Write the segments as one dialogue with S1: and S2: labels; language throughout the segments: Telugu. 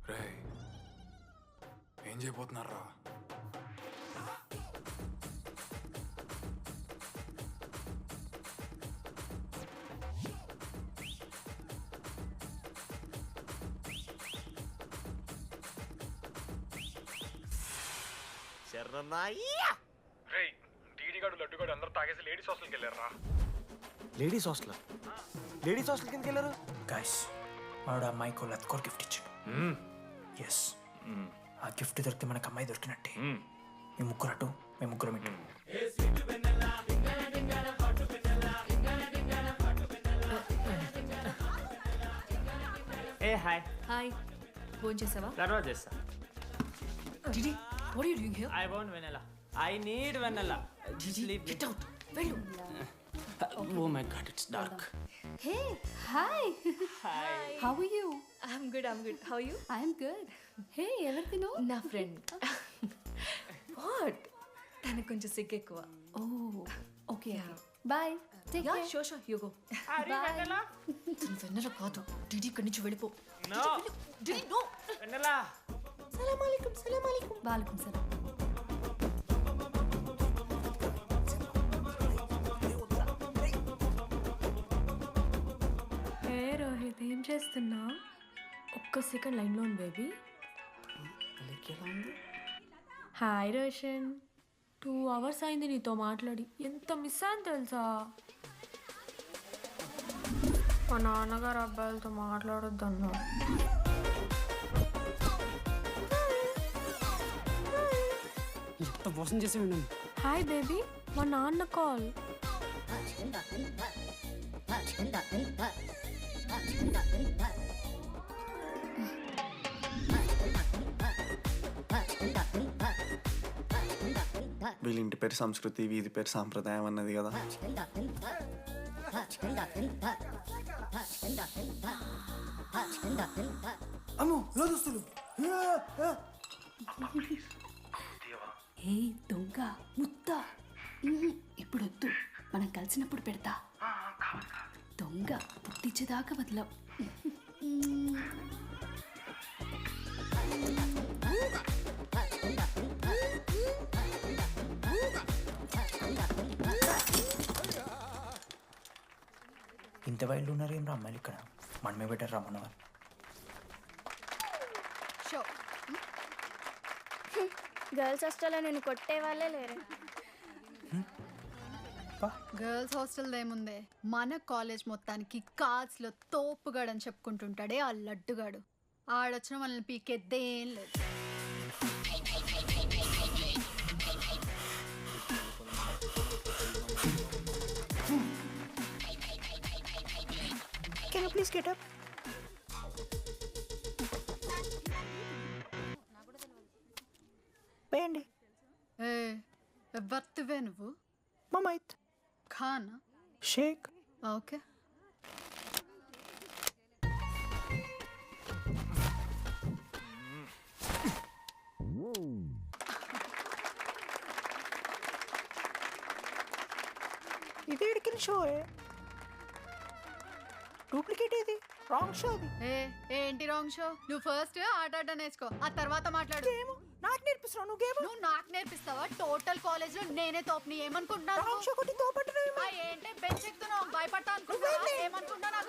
S1: రే ఏం చేయబోతున్నారా?
S2: రే టీడీగాడు లడ్డుగాడు అందరూ తాగేసి లేడీస్ హాస్టల్కి వెళ్ళారా?
S3: లేడీస్ హాస్టల్ కిందకి వెళ్ళారు.
S4: గైస్ వాడు అమ్మాయికి లత్కోర్ గిఫ్ట్ ఇచ్చాడు. ఎస్, ఆ గిఫ్ట్ దొరికితే మనకు అమ్మాయి దొరికినట్టే. మీ ముగ్గురు అటు, మేము ముగ్గురం ఇటు.
S5: ఏ హాయ్,
S6: హాయ్, ఫోన్ చేసావా?
S5: తర్వాత చేస్తా.
S6: డిడి, what are you doing here?
S5: I want Vennela. I need Vennela.
S6: Get out. వెళ్ళు.
S5: Oh my god, it's dark.
S7: Hey, hi.
S5: Hi.
S7: How are you?
S6: I'm good. How are you?
S7: I'm good. Hey, ఎవరిదిను?
S6: నా ఫ్రెండ్. What? తనకు కొంచెం సిగ్గు ఎక్కువ.
S7: Oh, okay. Bye. Take care.
S6: Sure. You go.
S5: అరే వెనెలా.
S6: తను వెన్నెల కాదు. డిడి ఇక్కడి నుంచి వెళ్ళిపో.
S5: నో
S6: డిడి, no.
S5: వెనెలా.
S6: సలాం అలైకుం.
S7: వాలేకుం సలాం.
S8: ఏ రోహిత్, ఏం చేస్తున్నా? ఒక్క సెకండ్ లైన్లో ఉంది బేబీ. హాయ్ రోషన్, 2 hours అయింది నీతో మాట్లాడి. ఎంత మిస్ అని తెలుసా? మా నాన్నగారు అబ్బాయిలతో మాట్లాడొద్దన్నారు.
S3: ఎంత మోసం చేసి ఉన్నాను.
S8: హాయ్ బేబీ, మా నాన్న కాల్.
S3: వీళ్ళ ఇంటి పేరు సంస్కృతి, వీధి పేరు సాంప్రదాయం అన్నది కదా. అమ్మో లోదుస్తులు.
S7: ఏ దొంగ ముత్త, ఇప్పుడు వద్దు, మనం కలిసినప్పుడు పెడతా. దొంగ పుట్టించేదాకా వదలం.
S4: ఇంత వైల్డ్ ఉన్నారు ఏం రా అమ్మాయిలు ఇక్కడ. మనమే బెటర్ రా మనవారు.
S9: గర్ల్స్ హాస్టల్లో నేను కొట్టే వాళ్ళే లేరు.
S10: గర్ల్స్ హాస్టల్ ఏముందే, మన కాలేజ్ మొత్తానికి కార్డ్స్ లో తోపుగాడని చెప్పుకుంటుంటాడే ఆ లడ్డుగాడు. ఆడొచ్చిన మనల్ని పీకెద్దేం లేదు.
S4: Can you please get up? వేయండి.
S10: ఏ ఎవరివే నువ్వు?
S4: మమైత్
S10: ఖానా?
S4: షేక్.
S10: ఓకే.
S4: ఇది ఎడికిన షో, డూప్లికేట్ ఇది, రాంగ్ షో అది.
S10: ఏంటి రాంగ్ షో? నువ్వు ఫస్ట్ ఆట ఆట నేర్చుకో, ఆ తర్వాత మాట్లాడు.
S4: నాకు నేర్పిస్తున్నావు నువ్వు గేమ్.
S10: నువ్వు నాకు నేర్పిస్తావా? టోటల్ కాలేజ్ లో నేనే తోపుని ఏమనుకుంటున్నావు?
S4: రాంగ్ షో కొట్టి తోపట్టున్నావు.
S10: ఏంటి బెంచ్ ఎక్కుతున్నావు? భయపడతా అనుకుంటున్నావా? ఏమనుకుంటున్నా నాకు?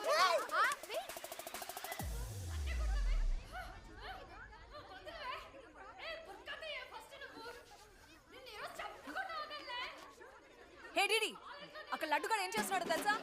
S6: హే డిడి, అక్కడ లడ్డుగాడు ఏం చేస్తున్నాడో తెలుసా?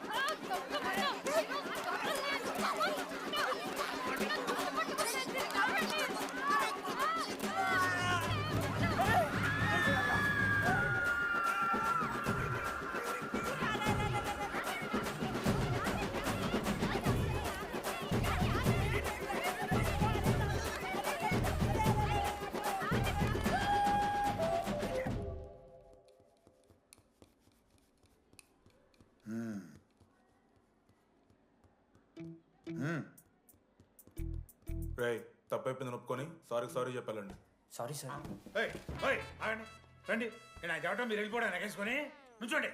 S1: రే తప్పైపోయింది ఒప్పుకొని సారీ చెప్పాలండి.
S4: Sorry sir.
S2: ఆగండి, రండి. నేను ఆయన చెప్పడం మీరు వెళ్ళిపోవడానికి ఎగేసుకొని నుంచోండి.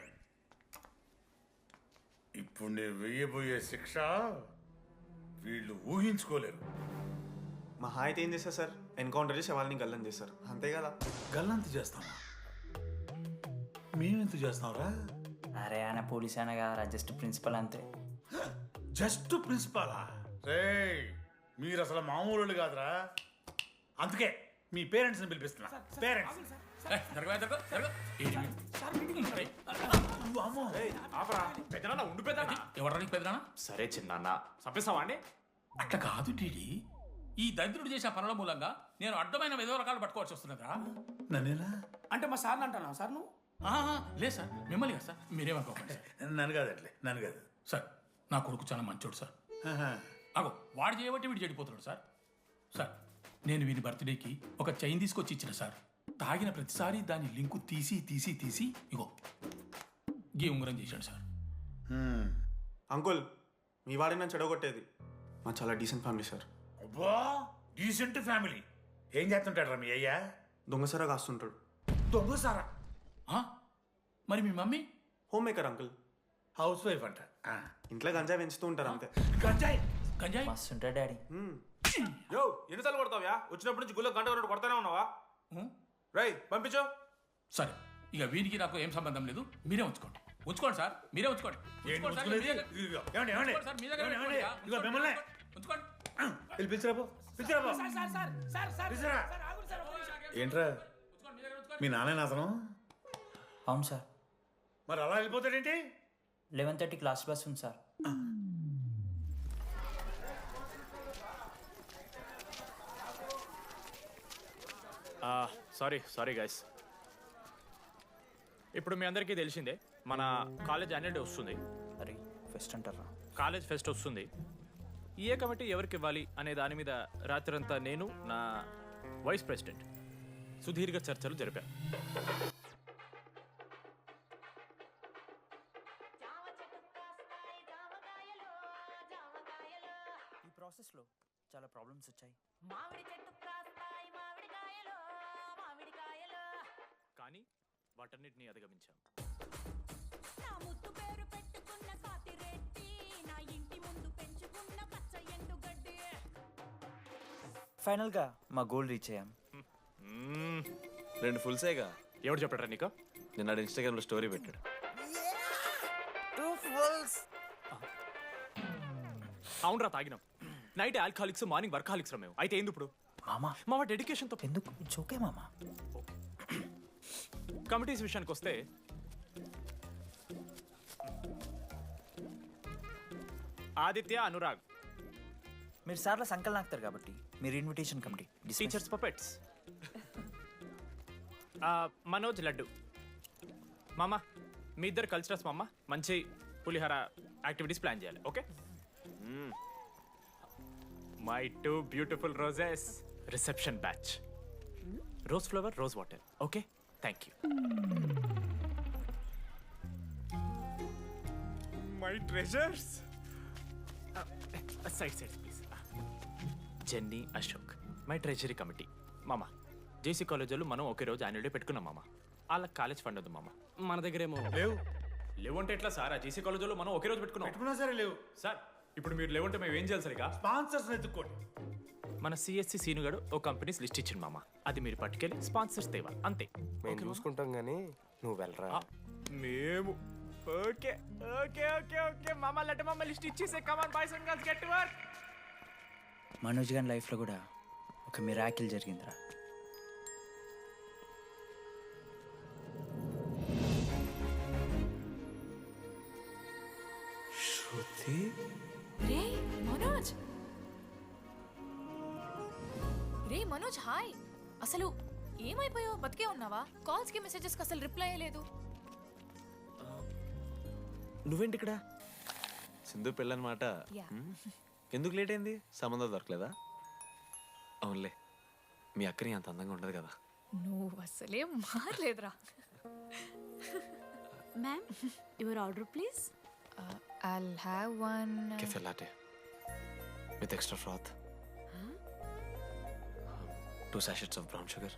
S2: ఇప్పుడు నేను వెయ్యబోయే శిక్ష వీళ్ళు ఊహించుకోలేరు.
S3: మహా అయితే ఏం చేస్తారు సార్, ఎన్కౌంటర్ చేసి వాళ్ళని గల్లం చేస్తారు, అంతే కదా.
S2: గల్లంత చేస్తామా? మేమెంత చేస్తాంరా?
S4: అరే ఆయన పోలీస్ అయినా కదా, జస్ట్ ప్రిన్సిపల్ అంతే.
S2: జస్ట్ ప్రిన్సిపాలా? రే మీరు అసలు మామూలు వాళ్ళు కాదురా. అందుకే మీ పేరెంట్స్ని పిలిపిస్తున్నా. పేరెంట్స్
S5: సరే చిన్న చంపేస్తావా అండి?
S11: అట్లా కాదు డీడీ, ఈ దరిద్రుడు చేసే పనుల మూలంగా నేను అడ్డమైన విధవ రకాలు పట్టుకోవాల్సి వస్తున్నదా?
S2: నన్నేనా?
S11: అంటే మా సార్ని అంటున్నావు సార్ నువ్వు? లేదు సార్, మిమ్మల్ని కదా సార్, మీరేమనుకోకండి సార్.
S2: నన్ను కాదట్లే, నన్ను కాదు
S11: సార్ నా కొడుకు చాలా మంచోడు సార్. అగో వాడు చేయబట్టి వీడు చెడిపోతున్నాడు సార్. సార్ నేను వీని బర్త్డేకి ఒక చైన్ తీసుకొచ్చి ఇచ్చిన సార్. తాగిన ప్రతిసారి దాని లింకు తీసి తీసి తీసి ఇగో గీ ఉంగరం చేశాడు సార్.
S3: అంకుల్, మీ వాడిని నన్ను చెడగొట్టేది. మా చాలా డీసెంట్ ఫ్యామిలీ సార్.
S2: అబ్బా డీసెంట్ ఫ్యామిలీ. ఏం చేస్తుంటాడు రా మీ అయ్యా?
S3: దొంగసరా కాస్తుంటాడు.
S2: దొంగసారా?
S11: మరి మీ mummy?
S3: Homemaker uncle.
S2: Housewife అంట.
S3: ఇంట్లో గంజాయి పెంచుతూ ఉంటారు అంతే.
S2: గంజాయి
S11: గంజాయి
S4: మస్తు ఉంటాడు డాడీ.
S1: యో ఎన్నిసార్లు కొడతావ్యా? వచ్చినప్పటి నుంచి గుళ్ళ గంట కొట్టు కొడతానే ఉన్నావా? రై పంపించు.
S11: సరే ఇక వీరికి నాకు ఏం సంబంధం లేదు, మీరే ఉంచుకోండి. ఉంచుకోండి సార్, మీరే ఉంచుకోండి.
S2: ఏంటి
S11: ఉంచుకోండి సార్,
S2: ఉంచుకునేది?
S11: మీ దగ్గర-
S2: ఇదిగో, ఏమండి, ఏమండి?
S11: ఉంచుకోండి సార్, మీ దగ్గర
S2: ఏమండి,
S11: ఉంచుకోండి.
S2: ఏమండి? ఇదిగో మిమ్మల్ని.
S11: ఉంచుకోండి.
S2: వెళ్ళి పిలిచిరాబో, పిలిచిరాబో. పిలిచిరా. ఏంట్రా మీ నాన్న అతను?
S4: అవును సార్.
S2: మరి అలా వెళ్ళిపోతాడేంటి?
S4: 11:30 క్లాస్ బస్ ఉంది సార్.
S5: Sorry guys. ఇప్పుడు మీ అందరికీ తెలిసిందే మన కాలేజ్ యాన్యువల్ డే వస్తుంది.
S4: అరే ఫెస్ట్ అంటారా?
S5: కాలేజ్ ఫెస్ట్ వస్తుంది. ఏ కమిటీ ఎవరికి ఇవ్వాలి అనే దాని మీద రాత్రంతా నేను నా వైస్ ప్రెసిడెంట్ సుదీర్ఘ చర్చలు జరిపాను.
S4: ఈ ప్రాసెస్లో చాలా ప్రాబ్లమ్స్ వచ్చాయి.
S5: కానీ వాటన్నిటిని అధిగమించాం.
S4: ఫైనల్గా మా గోల్ రీచ్ అయ్యాం.
S12: 2 ఫుల్సేగా.
S5: ఎవరు చెప్పారా నీకు?
S12: నిన్న ఇన్స్టాగ్రామ్లో స్టోరీ పెట్టాడు.
S5: అవునరా తాగినాం. నైట్ ఆల్కహాలిక్స్, మార్నింగ్ వర్కాలిక్స్ రా మేము. అయితే ఏంది ఇప్పుడు?
S4: మామ
S5: డెడికేషన్తో
S4: ఎందుకు ఓకే మామ.
S5: కమిటీస్ విషయానికి వస్తే ఆదిత్య, అనురాగ్
S4: మీరు సార్ల సంకల్ నాకుతారు కాబట్టి మీరు invitation committee.
S5: Teachers puppets. Manoj, Laddu. మామ మీ ఇద్దరు కల్చరల్స్ మామ. మంచి పులిహార యాక్టివిటీస్ ప్లాన్ చేయాలి. Okay? My 2 beautiful roses. Reception batch. Rose flower, rose water. Okay, thank you. My treasures. Side please. Jenny, Ashok my treasury committee. మామ జేసీ కాలేజ్ వాళ్ళు మనం ఒకే రోజు యాన్యువల్ డే పెట్టుకున్నాం మామ. వాళ్ళకి కాలేజ్ ఫండ్ ఉంది మామ. మన దగ్గర ఏమో లేవు అంటే ఎట్లా సార్? ఆ జేసీ కాలేజ్ వాళ్ళు మనం ఒకే రోజు పెట్టుకున్నా
S2: సరే లేవు
S5: సార్. ఇప్పుడు మీరు లేవంటే మేము ఏం చేయాలి సరిగా?
S2: స్పాన్సర్స్ ఎత్తుక్కోండి.
S5: మన సిఎస్సి సీనుగాడు ఓ కంపెనీస్ లిస్ట్ ఇచ్చింది మామ. అది మీరు పట్టుకెళ్ళి స్పాన్సర్స్ తేవాలి అంతే.
S12: మేము చూసుకుంటాం కానీ నువ్వు వెళ్ళరా.
S5: మేము ఓకే ఓకే ఓకే ఓకే మామ. లడ్డు మామ లిస్ట్ ఇచ్చేసే. Come on boys and girls, get to work.
S4: Manoj గారి లైఫ్లో కూడా ఒక మిరాకిల్ జరిగిందిరా.
S3: శృతి,
S6: రే మనోజ్. రే మనోజ్, హాయ్. అసలు ఏమైపోయావు? బతికే ఉన్నావా? కాల్స్ కి మెసేజెస్ కి అసలు రిప్లై అయ్యలేదు.
S12: నువ్వేంటి ఇక్కడ? సింధు పెళ్ళనమాట. ఎందుకు లేట్ అయింది? సంబంధం దొరకలేదా? అవునులే, మీ అక్కని అంత అందంగా ఉండదు కదా.
S6: నువ్వు అసలే మారలేదురా.
S7: Ma'am your order please.
S6: I'll have one.
S12: Cafe latte with extra froth. 2 sachets of brown sugar.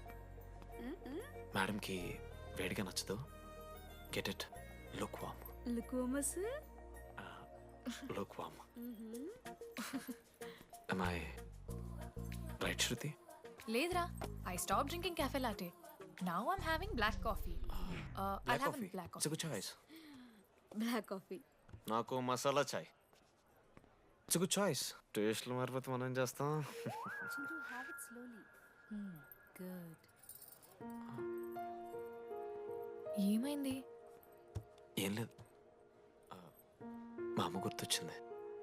S12: Madam కి వేడిగా నచ్చదు. Get it lukewarm.
S7: Lukewarm sir.
S12: Lukewarm. Am I right Shruti?
S6: లేదురా, I stop drinking cafe latte. Now I'm having black coffee. I'll have a black
S12: it's
S6: coffee.
S12: Good choice.
S7: Black coffee.
S12: నాకు masala chai. It's good choice. టేస్ట్లు మారిపోతే మనం ఏం చేస్తాం?
S7: Chintu have it slowly. Good.
S6: ఏమైంది?
S12: ఏం లేదు, మా అమ్మ గుర్తొచ్చింది.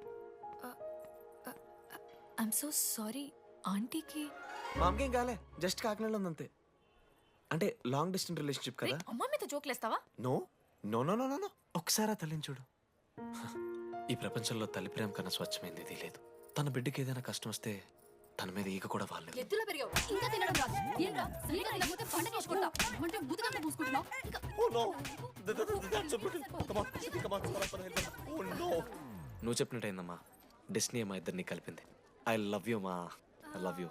S6: I'm so sorry. ఆంటీకి
S12: మా అమ్మకి ఏం కాలే, జస్ట్ కాకినాడలో ఉందంతే. అంటే లాంగ్ డిస్టెన్స్ రిలేషన్షిప్ కదా.
S6: అమ్మ మీద జోక్లేస్తావా?
S12: No no no no no ఒకసారి ఆ తల్లిని చూడు. ఈ ప్రపంచంలో తల్లి ప్రేమ కన్నా స్వచ్ఛమైంది ఇది లేదు. తన బిడ్డకి ఏదైనా కష్టం వస్తే తన మీద ఈగ కూడా వాళ్ళలేదు.
S7: ఎత్తులో పెరిగావు ఇంకా తినడం రాదు. ఏంట్రా సరిగా తినకపోతే పండగ చేసుకుంటా అంటే బుద్ధకంతా పూసుకుంటున్నావు.
S12: నువ్వు చెప్పినట్టయిందమ్మా, డెస్టినీ మా ఇద్దరిని కలిపింది. ఐ లవ్ యూ మా, ఐ లవ్ యూ.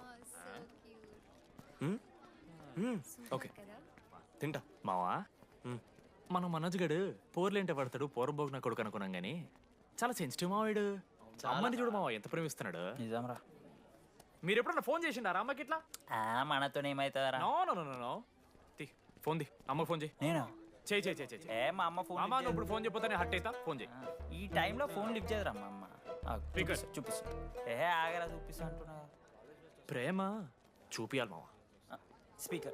S12: ఓకే తింటా.
S5: మావా, మనం మనోజ్ గడు పోర్లేంటే పడతాడు, పోరబోగు నా కొడుకు అనుకున్నాం కానీ చాలా సెన్సిటివ్ మావాడు. అమ్మని చూడు మావా ఎంత ప్రేమిస్తున్నాడు.
S4: నిజంరా.
S5: మీరు ఎప్పుడన్నా ఫోన్ చేసిండారా అమ్మకి ఇట్లా?
S4: మనతో ఏమైతుందరా?
S5: No no no no no. Phone ది, అమ్మకి ఫోన్ చేయి.
S4: నేను
S5: చేయి చేయి చేయి.
S4: ఏ మా అమ్మ ఫోన్
S5: అమ్మ నువ్వు ఇప్పుడు ఫోన్ చెప్పితే హట్ అవుతా. ఫోన్ చేయి.
S4: ఈ టైంలో ఫోన్ లిఫ్ట్ చేయదురా మా అమ్మ.
S5: Speaker.
S4: చూపిస్తా. ఏ ఆగరా చూపిస్తా అంటున్నా.
S5: ప్రేమ చూపియాలి మావా.
S4: స్పీకర్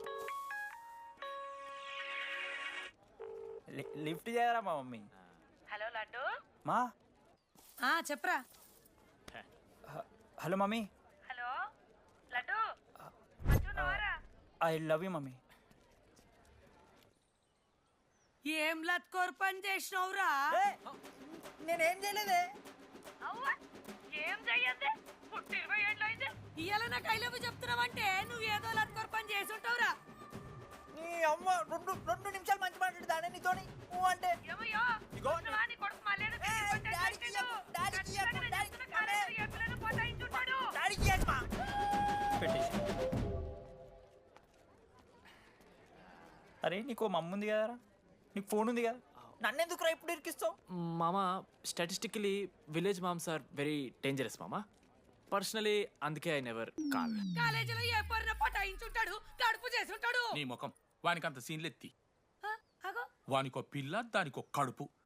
S4: లిఫ్ట్ చేయరా మా మమ్మీ.
S13: హలో లడ్డు.
S4: మా
S13: చెప్పరా.
S4: Hello mummy.
S13: Hello Laddu.
S4: I love you mummy.
S13: ఏం లత్కోర్ పని చేసినవురా?
S4: నేనేం చేయలేదే.
S13: ఏం చెయ్యద్దే, పుట్టి 20 ఏళ్ళు అయింది. ఇయ్యాల నాకు ఐ లవ్ యూ చెప్తున్నావంటే నువ్వు ఏదో లత్కోర్ పని చేసి ఉంటావురా.
S4: నీ అమ్మ రెండు నిమిషాలు మంచి మాట్లాడుతానే నీతోని. నువ్వు అంటే
S13: ఏమయ్యో నువ్వా నీ కొడుకు మళ్ళీ
S4: అరే నీకు మమ్మ ఉంది కదరా, నీకు ఫోన్ ఉంది కదా, నన్నెందుకు రా ఇప్పుడు ఇరికిస్తావు?
S5: మామా, statistically village moms are very dangerous మామా. పర్సనలీ అందుకే ఐ నెవర్ కాల్.
S13: కాలేజీలో ఏ పొరిన పటాయించుంటాడు, కడుపు చేసి ఉంటాడు.
S11: నీ ముఖం వానికి అంత సీన్లెత్తి.
S13: అగో
S11: వానికో పిల్ల, దానికో కడుపు.